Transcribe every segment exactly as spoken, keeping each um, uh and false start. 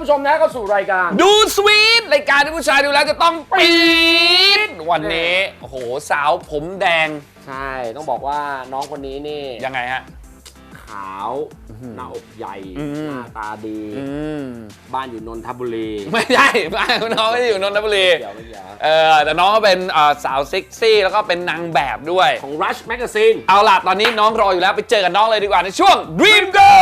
ชมนะเข้าสู่รายการดูสวีทรายการที่ผู้ชายดูแล้วจะต้องปี๊ดวันนี้โอ้โหสาวผมแดงใช่ต้องบอกว่าน้องคนนี้นี่ยังไงฮะขาวหน้าอกใหญ่หน้าตาดีบ้านอยู่นนทบุรีไม่ใช่บ้านน้องไม่ได้อยู่นนทบุรีเออแต่น้องก็เป็นสาวเซ็กซี่แล้วก็เป็นนางแบบด้วยของ Rush Magazine เอาล่ะตอนนี้น้องรออยู่แล้วไปเจอกับน้องเลยดีกว่าในช่วง Dream Go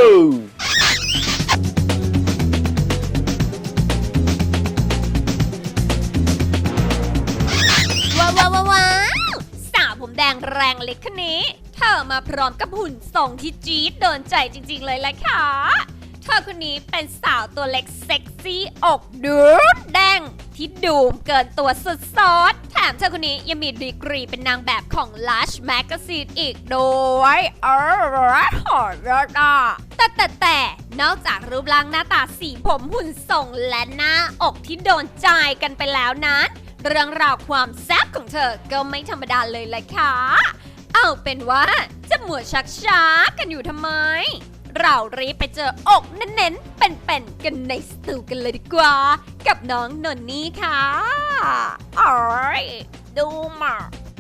ว้าวว้าวว้าวสาวผมแดงแรงเล็กคนนี้เธอมาพร้อมกับหุ่นทรงที่จี๊ดโดนใจจริงๆเลยแหละค่ะเธอคนนี้เป็นสาวตัวเล็กเซ็กซี่อกดูดแดงที่ดูมเกินตัวสุดซอสแถมเธอคนนี้ยังมีดีกรีเป็นนางแบบของ Lush Magazine อีกด้วยเออหอเลิศอ่ะแต่แต่แต่นอกจากรูปร่างหน้าตาสีผมหุ่นทรงและหน้าอกที่โดนใจกันไปแล้วนั้นเรื่องราวความแซ่บของเธอก็ไม่ธรรมดาเลยแหละค่ะเอาเป็นว่าจะหมัวชักช้ากันอยู่ทำไมเรารีบไปเจออกเน้นๆเป็นๆกันในสตูกันเลยดีกว่ากับน้องนนนี่ค่ะอ๋อยดูมา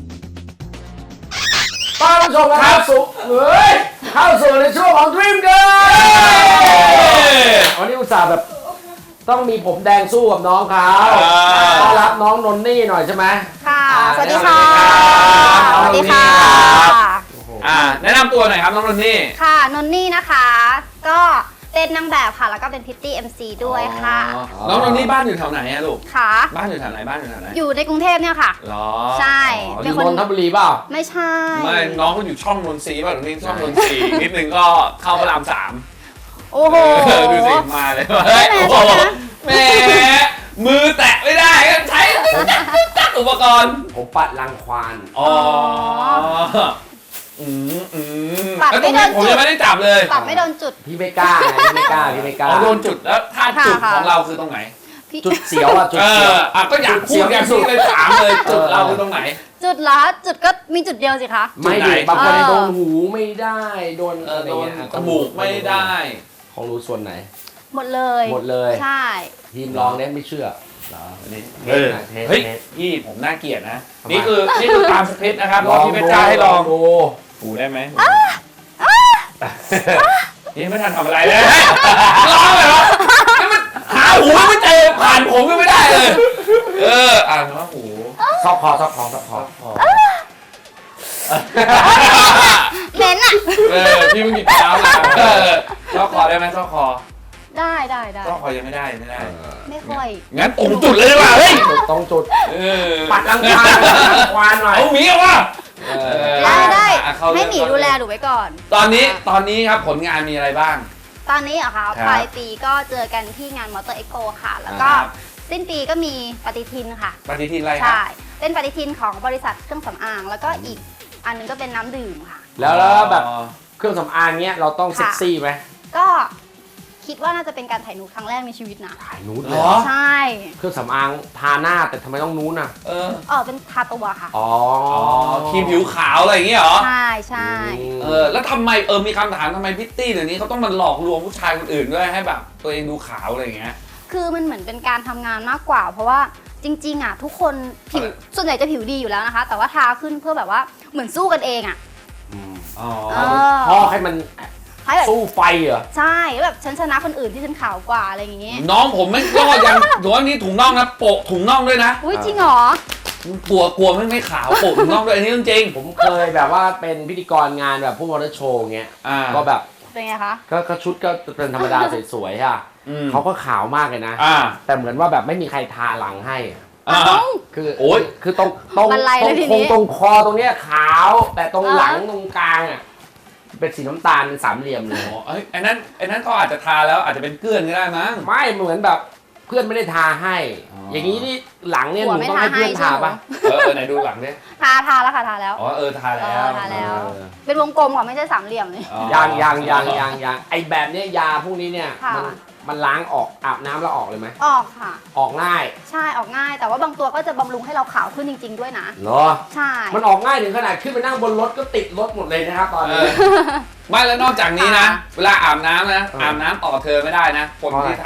ต้อนรับชมนะครับสู่เฮ้ยเข้าสู่ในช่วงของ Dream Girl วันนี้อุตส่าห์แบบต้องมีผมแดงสู้กับน้องเขาต้อนรับน้องนนนี่หน่อยใช่ไหมค่ะสวัสดีค่ะสวัสดีค่ะอ่าแนะนำตัวหน่อยครับน้องนนนี่ค่ะนนนี่นะคะก็เป็นนางแบบค่ะแล้วก็เป็นพิตตี้ เอ็ม ซี ด้วยค่ะน้องนนนี่บ้านอยู่แถวไหนอะลูกค่ะบ้านอยู่แถวไหนบ้านอยู่แถวไหนอยู่ในกรุงเทพเนี่ยค่ะหรอใช่เป็นคนนนทบุรีเปล่าไม่ใช่ไม่น้องก็อยู่ช่องนนทรีป่ะหรือนี่ช่องนนทรีนิดนึงก็เข้าพระรามสามโอ้โหดูสิมาเลยโอ้โหแหมมือแตะไม่ได้ก็ใช้อุปกรณ์ผมปัดรังควานอ๋ออืมอืมแล้วตรงนี้ผมยังไม่ได้จับเลยปัดไม่โดนจุดพี่ไม่กล้าพี่ไม่กล้าพี่ไม่กล้าโดนจุดแล้วถ้าจุดของเราคือตรงไหนจุดเสียวอ่ะจุดเสียวอ่ะก็อยากพูดอยากพูดเลยถามเลยจุดเราคือตรงไหนจุดละจุดก็มีจุดเดียวสิคะไม่ดิบางคนโดนหูไม่ได้โดนอะไรเงี้ยจมูกไม่ได้ของรู้ส่วนไหนหมดเลยหมดเลยใช่ทีมลองเล่นไม่เชื่อเฮ้ยพี่ผมน่าเกลียดนะนี่คือนี่คือตามสคริปต์นะครับพี่เพชรจ้าให้ลองดูหูได้ไหมนี่ไม่ทันทำอะไรเลยร้องเลยเหรอนี่มันหาหูไม่เจอผ่านผมก็ไม่ได้เลยเอออ่านว่าหูซอกคอซอกคอซอกคอเน้นอ่ะเออพี่ไม่มีเท้าเลยซอกคอได้ไหมซอกคอได้ได้ได้ซอกคอยังไม่ได้ไม่ได้ไม่ค่อยงั้นตรงจุดเลยดีกว่าเฮ้ยตรงจุดปัดรังควานควานหน่อยเอาหมีเอาวะได้ได้ให้หมีดูแลหนูไว้ก่อนตอนนี้ตอนนี้ครับผลงานมีอะไรบ้างตอนนี้เหรอคะปลายปีก็เจอกันที่งานมอเตอร์เอ็กโปค่ะแล้วก็สิ้นปีก็มีปฏิทินค่ะปฏิทินอะไรครับใช่เป็นปฏิทินของบริษัทเครื่องสำอางแล้วก็อีกอันนึงก็เป็นน้ำดื่มค่ะแล้วแล้วแบบเครื่องสำอางเนี้ยเราต้องเซ็กซี่ไหมก็คิดว่าน่าจะเป็นการถ่ายนูดครั้งแรกในชีวิตนะถ่ายนูดเหรอใช่เครื่องสำอางทาหน้าแต่ทำไมต้องนูดอ่ะเออเออเป็นทาตัวค่ะอ๋อครีมผิวขาวอะไรอย่างเงี้ยเหรอใช่ใช่เออแล้วทำไมเออมีคำถามทำไมพิตตี้เดี๋ยวนี้เขาต้องมาหลอกลวงผู้ชายคนอื่นด้วยให้แบบตัวเองดูขาวอะไรอย่างเงี้ยคือมันเหมือนเป็นการทำงานมากกว่าเพราะว่าจริงๆอ่ะทุกคนผิวส่วนใหญ่จะผิวดีอยู่แล้วนะคะแต่ว่าทาขึ้นเพื่อแบบว่าเหมือนสู้กันเองอ่ะอ๋อพอให้มันสู้ไฟเหรอใช่แบบฉันชนะคนอื่นที่ฉันขาวกว่าอะไรอย่างงี้น้องผมไม่ก็ยังถือว่านี่ถุงน่องนะโปะถุงน่องด้วยนะอุ้ยจริงเหรอกลัวกลัวไม่ไม่ขาวโปะถุงน่องด้วยอันนี้จริงผมเคยแบบว่าเป็นพิธีกรงานแบบพวกมอเตอร์โชว์เงี้ยก็แบบเป็นไงคะก็ชุดก็เป็นธรรมดาสวยๆค่ะเขาก็ขาวมากเลยนะแต่เหมือนว่าแบบไม่มีใครทาหลังให้คือโอ้ยคือตรงตรงตรงตรงคอตรงเนี้ยขาวแต่ตรงหลังตรงกลางอ่ะเป็นสีน้ำตาลเป็นสามเหลี่ยมเลยอ๋อไอ้นั้นไอ้นั้นก็อาจจะทาแล้วอาจจะเป็นเกลื่อนก็ได้มั้งไม่เหมือนแบบเพื่อนไม่ได้ทาให้อย่างนี้นี่หลังเนี่ยหนูต้องให้เพื่อนทาป่ะเออไหนดูหลังดิทาทาแล้วค่ะทาแล้วอ๋อเออทาแล้วทาแล้วเป็นวงกลมค่ะไม่ใช่สามเหลี่ยมเลยยางยางยางยางยางไอแบบเนี้ยยาพวกนี้เนี่ยมันมันล้างออกอาบน้ำแล้วออกเลยไหมออกค่ะออกง่ายใช่ออกง่ายแต่ว่าบางตัวก็จะบำรุงให้เราขาวขึ้นจริงๆด้วยนะเหรอใช่มันออกง่ายถึงขนาดขึ้นไปนั่งบนรถก็ติดรถหมดเลยนะครับตอนนี้ไม่แล้วนอกจากนี้นะเวลาอาบน้ำนะอาบน้ำต่อเธอไม่ได้นะคนที่ทา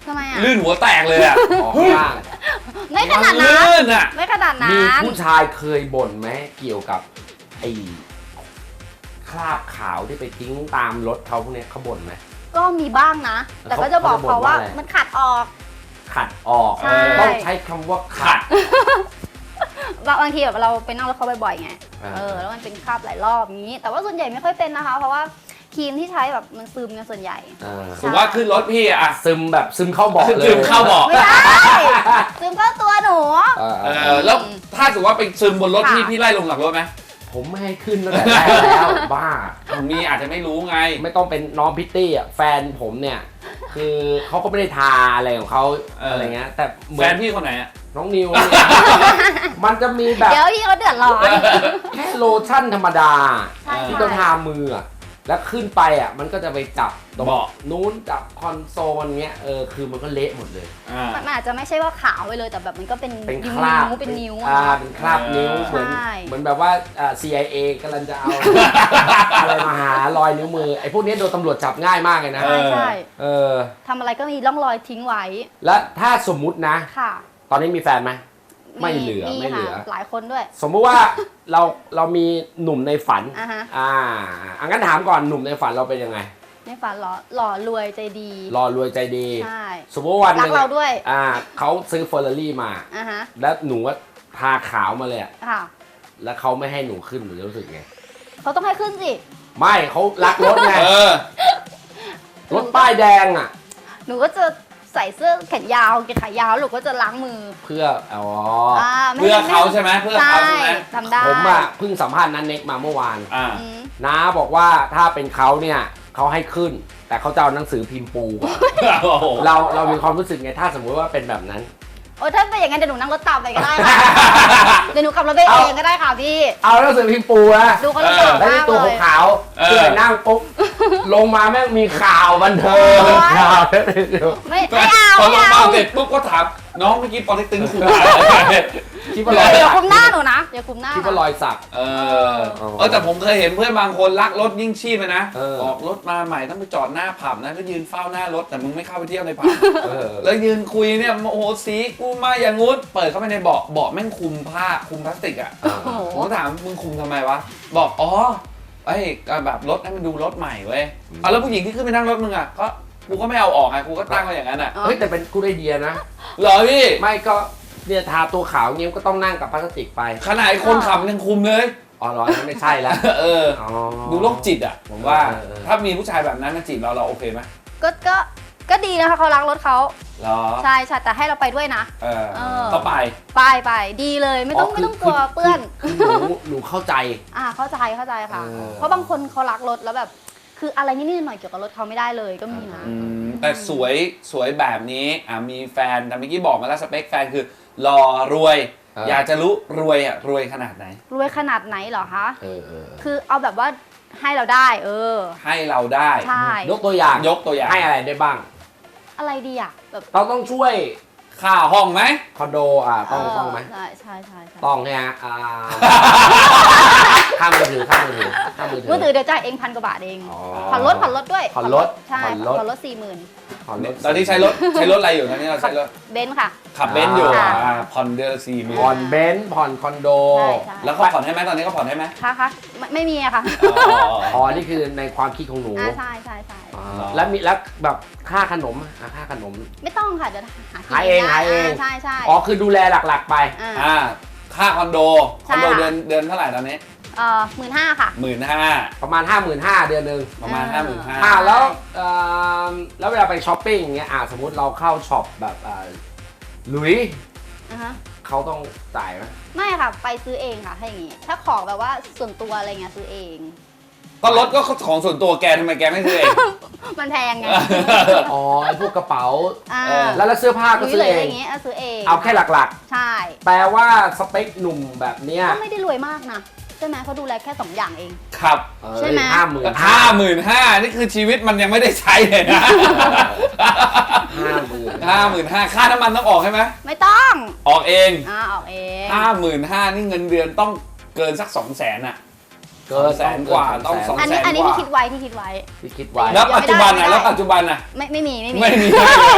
ทำไมอ่ะลื่นหัวแตกเลยอ่ะออกข้างไม่ขนาดนั้นลื่นอ่ะไม่ขนาดนั้มีนผู้ชายเคยบ่นไหมเกี่ยวกับไอ้คราบขาวที่ไปทิ้งตามรถเขาพวกเนี้ยเขาบ่นไหมก็มีบ้างนะ แต่ก็จะบอกเขาว่ามันขัดออกขัดออกใช่ต้องใช้คำว่าขัดบางทีแบบเราไปนั่งรถเขาบ่อยๆไงอ่าเออแล้วมันเป็นคราบหลายรอบนี้ แต่ว่าส่วนใหญ่ไม่ค่อยเป็นนะคะ เพราะว่าครีมที่ใช้แบบมันซึมกันส่วนใหญ่อ่าถือว่าขึ้นรถพี่อ่ะซึมแบบซึมเข้าเบาะเลยซึมเข้าเบาะไม่ได้ซึมเข้าตัวหนูเออเออแล้วถ้าสมมติว่าไปซึมบนรถพี่ค่ะพี่ไล่ลงหลังรถไหมผมไม่ให้ขึ้นตั้งแต่แรกแล้วบ้ามีอาจจะไม่รู้ไงไม่ต้องเป็นน้องพิตตี้อ่ะแฟนผมเนี่ย คือเขาก็ไม่ได้ทาอะไรของเขาเออออะไรเงี้ย แต่เหมืแฟอนนพี่คนไหนอ่ะน้องนิวเนี่ย มันจะมีแบบเดี๋ยวพี่เขาเดือดร้อนแค่โลชั่นธรรมดาใช่ที่ใช่ต้องทามืออะแล้วขึ้นไปอ่ะมันก็จะไปจับตรงเบาะนู้นจับคอนโซลเงี้ยเออคือมันก็เละหมดเลยอ่ามันอาจจะไม่ใช่ว่าขาวไปเลยแต่แบบมันก็เป็นเป็นนิ้คว ราบๆเป็นนิ้วอ่าอะเป็นคราบนิ้วเออเหมือนใช่เหมือนแบบว่าอ่า ซี ไอ เอ กำลังจะเอา อะไรมาหารอยนิ้วมือไอ้พวกนี้โดนตำรวจจับง่ายมากเลยนะเอใช่อใช่เออทำอะไรก็มีร่องรอยทิ้งไว้แล้วถ้าสมมุตินะค่ะตอนนี้มีแฟนไหม ไม่เหลือไม่เหลือค่ะหลายคนด้วยสมมุติว่า เราเรามีหนุ่มในฝันอ่ะฮะอ่าอังั้นถามก่อนหนุ่มในฝันเราเป็นยังไงในฝันหล่อหล่อรวยใจดีรอรวยใจดีใช่สมมติว่าวันหรันึกงเราด้วยอ่าเขาซื้อเฟอร์รารี่มาอ่ะฮะแล้วหนูว่าทาขาวมาเลยอะค่ะแล้วเขาไม่ให้หนูขึ้นหนูจะรู้สึกไงเขาต้องให้ขึ้นสิไม่เขารักรถไงเออรถป้ายแดงอ่ะหนูก็จะใส่เสื้อแขนยาวกางเกงขายาวหนูก็จะล้างมือเพื่ออ๋ออ่าไม่เพื่อไม่เขาใช่ไหมเพื่อเขาใช่ไหมทำได้ผมอ่ะเพิ่งสัมภาษณ์นันเน็กมาเมื่อวานอ่าอืมน้าบอกว่าถ้าเป็นเขาเนี่ยเขาให้ขึ้น แต่เขาจะเอาหนังสือพิมพ์ปูก่อนโอ้โหเราเรามีความรู้สึกไงถ้าสมมุติว่าเป็นแบบนั้นโอ้ถ้าเป็นอย่างนั้นเดี๋ยวหนูนั่งรถตามไปก็ได้ค่ะ เดี๋ยวหนูขับรถไปเองก็ได้ค่ะพี่เอาหนังสือพิมพ์ปูนะดูเขาลำบากแล้วมาที่กตัวเลยขาวๆเสื่อนั่งปุ๊บลงมาแม่งมีข่าวบันเทิงโอ๊ยข่าวไม่ไม่เอาพอไม่ลงเอามาเสร็จปุ๊บก็ถามน้องเมื่อกี้ปอเต็กตึงคุณคิดว่ารอยเดี๋ยวสักคุมหน้าหนูนะเดี๋ยวคุมหน้าคิดว่ารอยสักเออเออแต่ผมเคยเห็นเพื่อนบางคนรักรถยิ่งชีพเลยนะเออออกรถมาใหม่ต้องไปจอดหน้าผับนะแล้วยืนเฝ้าหน้ารถแต่มึงไม่เข้าไปเที่ยวในผับเออแล้วยืนคุยเนี่ยโอ้โหสีกูมาอย่างงู้นเปิดเข้าไปในเบาะเบาะแม่งคุมผ้าคุมพลาสติกอ่ะโอ้โหผมก็ถามมึงคุมทำไมวะบอกอ๋อไอ้ยก็แบบรถให้มันดูรถใหม่เว้ยเอาแล้วผู้หญิงที่ขึ้นไปนั่งรถมึงอ่ะก็กูก็ไม่เอาออกไงกูก็ตั้งไว้อย่างนั้นอ่ะเฮ้ยแต่เป็นกูไอเดียนะเหรอพี่ไม่ก็เนี่ยทาตัวขาวเงี้ยก็ต้องนั่งกับพลาสติกไปขนาดไอ้คนขับยังคุมเลยอ๋อเหรอนั่นไม่ใช่แล้วเอออ๋อดูโรคจิตอ่ะผมว่าเออเออถ้ามีผู้ชายแบบนั้นมาจีบเราเราโอเคไหมก็ก็ก็ดีนะคะเขารักรถเขาเหรอใช่ใช่แต่ให้เราไปด้วยนะเออเออก็ไปไปไปดีเลยไม่ต้องอ๋อไม่ต้องคืกลัวเปื้อนคือหนูหนูเข้าใจอ่าเข้าใจเข้าใจค่ะเออเพราะบางคนเขารักรถแล้วแบบ คืออะไรนิดๆหน่อยๆเกี่ยวกับรถเขาไม่ได้เลยก็มีนะอืมแต่สวยสวยแบบนี้อ่ะมีแฟนแต่เมื่อกี้บอกมาแล้วสเปคแฟนคือหล่อรวยเอออยากจะรู้รวยอ่ะรวยขนาดไหนรวยขนาดไหนเหรอคะเออเออคือเอาแบบว่าให้เราได้ เออให้เราได้ใช่ยกตัวอย่างยกตัวอย่างให้อะไรได้บ้างอะไรดีอ่ะแบบเราต้องช่วยค่าห้องไหมคอนโดอ่ะต้องเต้องไหมใช่ใช่ใช่ใช่ต้องใช่ไหมอ่าข้ามมือถือข้ามมือถือข้ามมือถือมือถือเดี๋ยวจ่ายเองพันกว่าบาทเองอ๋อผ่อนรถผ่อนรถด้วยผ่อนรถใช่ผ่อนรถผ่อนรถสี่หมื่นผ่อนรถตอนนี้ใช้รถใช้รถอะไรอยู่ตอนนี้เราใช้รถเบนซ์ค่ะขับเบนซ์อยู่ค่ะอ่าผ่อนเดือนละสี่หมื่นผ่อนเบนซ์ผ่อนคอนโดใช่ใช่แล้วเขาผ่อนให้ไหมตอนนี้เขาผ่อนให้ไหมค่ะค่ะไม่ไม่มีอะค่ะอ๋อนี่คือในความคิดของหนูอ่าใช่ใช่ใช่อ่าแล้วมีแล้วแบบค่าขนมอ่ะค่าขนมไม่ต้องค่ะเดี๋ยวหาหาเองได้หาเองใช่ใช่อ๋อคือดูแลหลักๆไปอ่าอ่าค่าคอนโดคใช่อนโดค่ะเดือนเดือนเท่าไหร่ตอนนี้เอ่อหมื่นห้าค่ะหมื่นห้าประมาณ ห้าหมื่นห้า เดือนหนึ่งประมาณห้าหมื่นห้าอ่าแล้วเอ่อแล้วเวลาไปช้อปปิ้งอย่างเงี้ยอ่าสมมุติเราเข้าช็อปแบบอ่าหลุยอ่าฮะเขาต้องจ่ายไหมไม่ค่ะไปซื้อเองค่ะถ้าอย่างงี้ ถ้าของแบบว่าส่วนตัวอะไรเงี้ยซื้อเองก็รถก็ของส่วนตัวแกทำไมแกไม่ซื้อเองมันแพงไงอ๋อไอ้พวกกระเป๋าอ่าเออแล้วแล้วเสื้อผ้าก็หรือซื้เลอย เออะไรงเงี้ยเอาซื้อเองเอาแค่หลักใช่ๆ แปลว่าสเปคหนุ่มแบบเนี้ยก็ไม่ได้รวยมากนะใช่ไหมเขาดูแลแค่สองอย่างเองครับใช่ไหมห้าหมื่นห้าหมื่นห้านี่คือชีวิตมันยังไม่ได้ใช้เลยนะห้าหมื่นห้าหมื่นห้าค่าน้ำมันต้องออกใช่ไหมไม่ต้องออกเองอ่าออกเองห้าหมื่นห้านี่เงินเดือนต้องเกินสักสองแสนอะเกินแสนกว่าต้องสองอันนี้แสนอันนี้กว่าที่คิดไว้ที่คิดไว้ที่คิดไว้แล้วปัจจุบันไม่นะได้แล้วปัจจุบันนะไม่ไม่มีไม่มีไม่มีให้เลย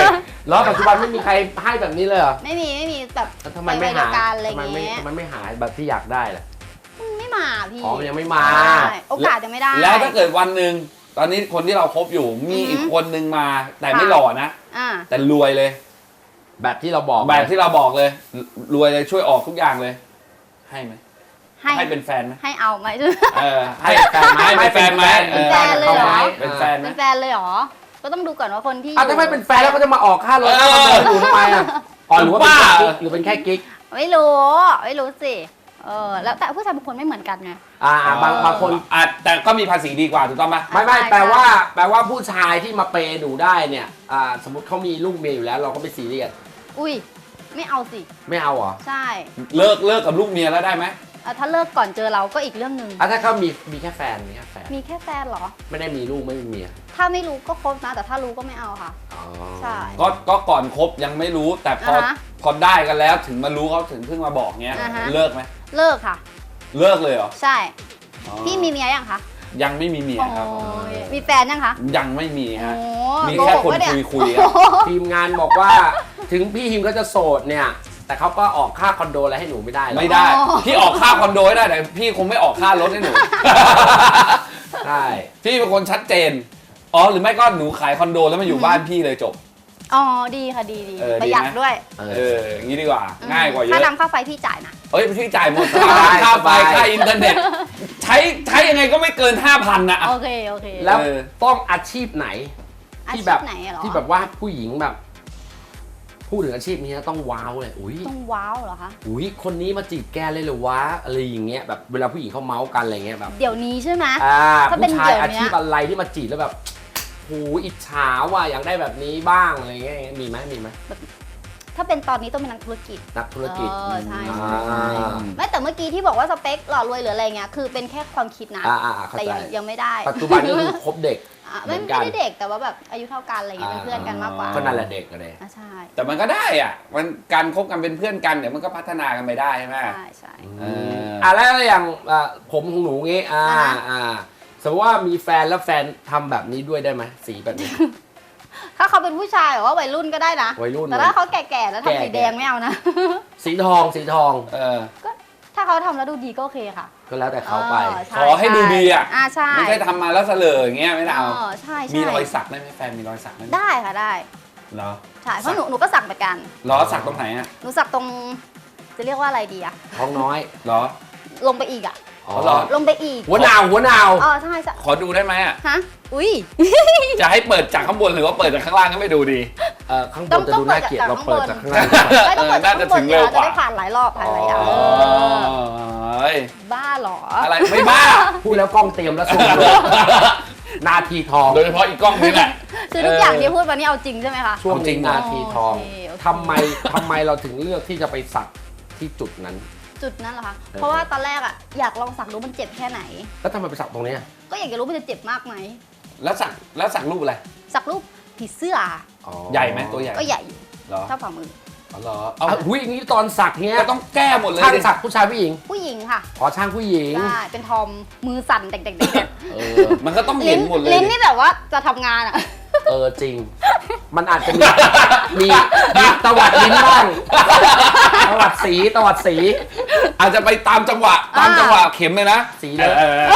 แล้วปัจจุบันไม่มีใครให้แบบนี้เลยเหรอไม่มีไม่มีแบบแล้วทำไมไม่หาการอะไรทำไมไม่เงี้ยทำไมไม่หาแบบที่อยากได้ล่ะไม่มาพี่อ๋อมันยังไม่มาใช่โอกาสยังไม่ได้แล้วถ้าเกิดวันหนึ่งตอนนี้คนที่เราคบอยู่มีอือหืออีอีกคนนึงมาแต่ไม่ค่ะหล่อนะอ่าแต่รวยเลยแบบที่เราบอกแบบที่เราบอกเลย รวยเลยช่วยออกทุกอย่างเลย ให้ไหมให้ให้เป็นแฟนไหมให้เอาไหมเออให้แฟนไหมไม่เป็นแฟนไหมเป็นแฟนเลยเหรอเป็นแฟนไหมเป็นแฟนเลยเหรอ ก็ต้องดูก่อนว่าคนที่อ่ะถ้าไม่เป็นแฟนแล้วก็จะมาออกค่ารถค่าคอนโดอยู่ทำไมอ่ะอ๋อหรือว่าเป็นแค่กิ๊กหรือเป็นแค่กิ๊กไม่รู้ไม่รู้สิเออแล้วแต่ผู้ชายบางคนไม่เหมือนกันไงอ่าบางบางคนอ่ะแต่ก็มีภาษีดีกว่าถูกต้องไหมไม่ไม่ใช่แปลว่าใช่แปลว่าผู้ชายที่มาเปย์หนูได้เนี่ยอ่าสมมติเขามีลูกเมียอยู่แล้วเราก็ไม่ซีเรียสอุ้ยไม่เอาสิไม่เอาเหรอใช่เลิกเลิกกับลูกเมียแล้วได้ไหมอ่ะถ้าเลิกก่อนเจอเราก็อีกเรื่องหนึ่งอ่ะถ้าเขามีมีแค่แฟนมีแค่แฟนมีแค่แฟนเหรอไม่ได้มีลูกไม่มีเมียถ้าไม่รู้ก็คบนะ แต่ถ้ารู้ก็ไม่เอาค่ะอ๋อใช่ก็ก็ก่อนคบยังไม่รู้แต่พออ่าฮะพอได้กันแล้วถึงมารู้เขาถึงเพิ่งมาบอกเงี้ยอ่าฮะเลิกไหมเลิกค่ะเลิกเลยเหรอใช่อ๋อพี่มีเมียยังคะยังไม่มีเมียครับโอ้ยมีแฟนยังคะยังไม่มีโอ้ฮะ มีโกแค่หกคนปะเนี่ยคุยคุยๆโอ้อะโหทีมงานบอกว่าถึงพี่ฮิมก็จะโสดเนี่ย แต่เขาก็ออกค่าคอนโดอะไรให้หนูไม่ได้หรอกไม่ได้ พี่ออกค่าคอนโดให้ได้แต่พี่คงไม่ออกค่ารถให้หนูใช่พี่เป็นคนชัดเจน อ๋อหรือไม่ก็หนูขายคอนโดแล้วมาอยู่บ้านพี่เลยจบอ๋อดีค่ะดีดีเออประหยัดดีไหมด้วยเอเออออย่างนี้ดีกว่า ง่ายกว่าเยค่าอะน้ำค่าไฟพี่จ่ายนะเอ้ยพี่จ่ายหมดสบายค่าไฟสบายค่าอินเทอร์เน็ต ใช้ใช้ยังไงก็ไม่เกิน ห้าพัน นะโอเคโอเคแล้วเออต้องอาชีพไหนอาที่ชีแบพบไหนอะเหรอที่แบบว่าผู้หญิงแบบ พูดถึงอาชีพนี้แล้วต้องว้าวเลยอุ้ยต้องว้าวเหรอคะอุ้ยคนนี้มาจีบแกเลยเหรอวะอะไรอย่างเงี้ยแบบเวลาผู้หญิงเขาเมาส์กันอะไรเงี้ยแบบเดี๋ยวนี้ใช่ไหมอ่าถ้าเป็นผู้ชายเดี๋ยวอาเนี้ยชีพอะไรที่มาจีบแล้วแบบโหอิจฉาว่ะอยากได้แบบนี้บ้างอะไรเงี้ยมีไหมมีไหมถ้าเป็นตอนนี้ต้องเป็นนักธุรกิจนักธุรกิจเออใช่อ่ใช่ใช่าไม่แต่เมื่อกี้ที่บอกว่าสเปคหล่อรวยหรืออะไรเงี้ยคือเป็นแค่ความคิดนะอ่าอ่าอ่าเข้าแต่ใจยังยังไม่ได้ปัจจุบันก็คือคบเด็กอ่ะเหมืไม่อนไม่กันได้เด็กแต่ว่าแบบอายุเท่ากันอะไรเงี้ยเป็นเพื่อนกันมากกว่าก็นั่นแหละเด็กกันเลยอ่ะใช่แต่มันก็ได้อ่ะมันการคบกันเป็นเพื่อนกันเดี๋ยวมันก็พัฒนากันไปได้ใช่ไหมใช่ใช่เอออ่ะแล้วอย่างอ่ะผมของหนูงี้อ่าอ่าฮะอ่าสมมติว่ามีแฟนแล้วแฟนทำแบบนี้ด้วยได้ไหมสีแบบนี้ถ้าเขาเป็นผู้ชายหรือว่าวัยรุ่นก็ได้นะวัยรุ่นแต่ถ้าเขาแก่ๆแล้วแก่ทำสีแดงไม่เอานะสีทองสีทองเออถ้าเขาทำแล้วดูดีก็โอเคค่ะก็แล้วแต่เขาไปใช่ขอให้ดูดีอะอ่าใช่ไม่ใช่ทำมาแล้วเสลออย่างเงี้ยไม่ได้เอาเออใช่ใช่มีรอยสักได้ไหมแฟนมีรอยสักได้ไหมได้ค่ะได้เหรอใช่เพราะหนูหนูก็สักเหมือนกันเหรอสักตรงไหนอ่ะหนูสักตรงจะเรียกว่าอะไรดีอะท้องน้อยเหรอลงไปอีกอะอ๋อเหรอลงไปอีกหัวหนาวหัวหนาวอ๋อใช่ใช่ขอดูได้ไหมอ่ะฮะอุ้ยจะให้เปิดจากข้างบนหรือว่าเปิดจากข้างล่างก็ไม่ดูดีเออข้างบต้อน งจะต้องดูน่าเกลียดเปิเราดจากเปิดข้าจากงบข้าน งล่างไม่ต้องเปิดเออน่าจะถึงเร็วกว่าจะได้ผ่านหลายรอบผ่านหลายอย่างอ๋อเอ้ยบ้าเหรออะไรไม่บ้าพูดแล้วกล้องเตรียมแล้วส่งเลยนาทีทองโดยเฉพาะอีกกล้องนี้แหละคือทุกอย่างที่พูดมานี่เอาจริงใช่ไหมคะช่วงจรินี้งนาทีทองโอเคโอเคทำไมทำไมเราถึงเลือกที่จะไปสักที่จุดนั้นจุดนั้นเหรอคะเออเพราะว่าตอนแรกอะอยากลองสักดูมันเจ็บแค่ไหนแล้วทำไมไปสักตรงเนี้ยก็อยากจะรู้มันจะเจ็บมากไหมแล้วสักแล้วสักรูปอะไรสักรูปผีเสื้ออ๋อใหญ่ไหมตัวใหญ่ก็ใหญ่อยู่เหรอเท่าฝ่ามืออ๋อเหรอเอาเอาหุ้ยอย่างนี้ตอนสักเนี้ยก็ต้องแก้หมดเลยช่างดิสักผู้ชายผู้หญิงผู้หญิงค่ะขอช่างผู้หญิงใช่เป็นทอมมือสั่นเด็กๆเออมันก็ต้องๆเห็ลิ้นนหมดเลยลิ้นดินี่แบบว่าจะทำงานอะเออจริง มันอาจจะมีมีมีตวัดลิ้นบ้างตวัดสีตวัดสีอาจจะไปตามจังหวะตามจังหวะเข็มเลยนะสีเลยเออ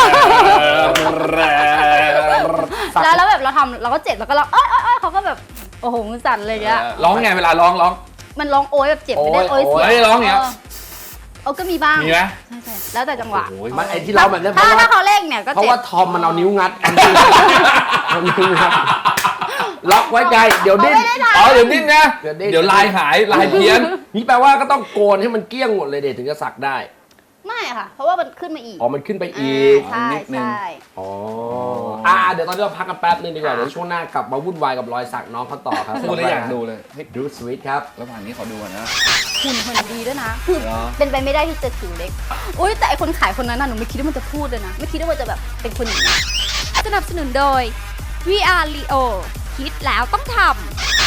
สักแล้วแล้วแบบเราทำเราก็เจ็บแล้วก็ร้องเอ้ยเอ้ยเอ้ยเขาก็แบบโอ้โหมือสั่นเลยอะร้องไงเวลาร้องร้องมันร้องโอยแบบเจ็บไม่ได้โอ๊โอย ยเสียโอ๊ยร้องอย่างเงี้ยเออก็มีบ้างมีไหมใช่ใช่แล้วแต่จังหวะโอ้ยมันไอ้ที่เราแบบเนี้ยเพถ้าราะว่าถ้าเขาเล่งเนี่ยก็เพราะเจ็บว่าทอมมันเอานิ้วงัดเอานิ้วงัดล็อกไว้ไกลเดี๋ยวดิ้นอ๋อเดี๋ยวดิ้นนะเดี๋ยวดิ้นเดี๋ยวลายหายลายเพี้ยนนี่แปลว่าก็ต้องโกนให้มันเกลี้ยงหมดเลยเด็ถึงจะสักได้ไม่ค่ะ เพราะว่ามันขึ้นมาอีกอ๋อมันขึ้นไปอีกใช่นิดนึงใช่อ๋ออ่าเดี๋ยวตอนนี้เราพักกันแป๊บนึงดีกว่าเดี๋ยวช่วงหน้ากลับมาวุ่นวายกับรอยสักน้องเขาต่อครับพูดแล้วอยากดูเลยเฮ้ยดูสวิตครับระหว่างนี้ขอดูก่อนนะหุ่นหุ่นดีด้วยนะคือเหรอเป็นไปไม่ได้ที่จะถือเล็กอุ้ยแต่ไอคนขายคนนั้นน่ะหนูไม่คิดว่ามันจะพูดเลยนะไม่คิดว่ามันจะแบบเป็นคนอย่างนี้สนับสนุนโดย วี อาร์ Leo คิดแล้วต้องทำ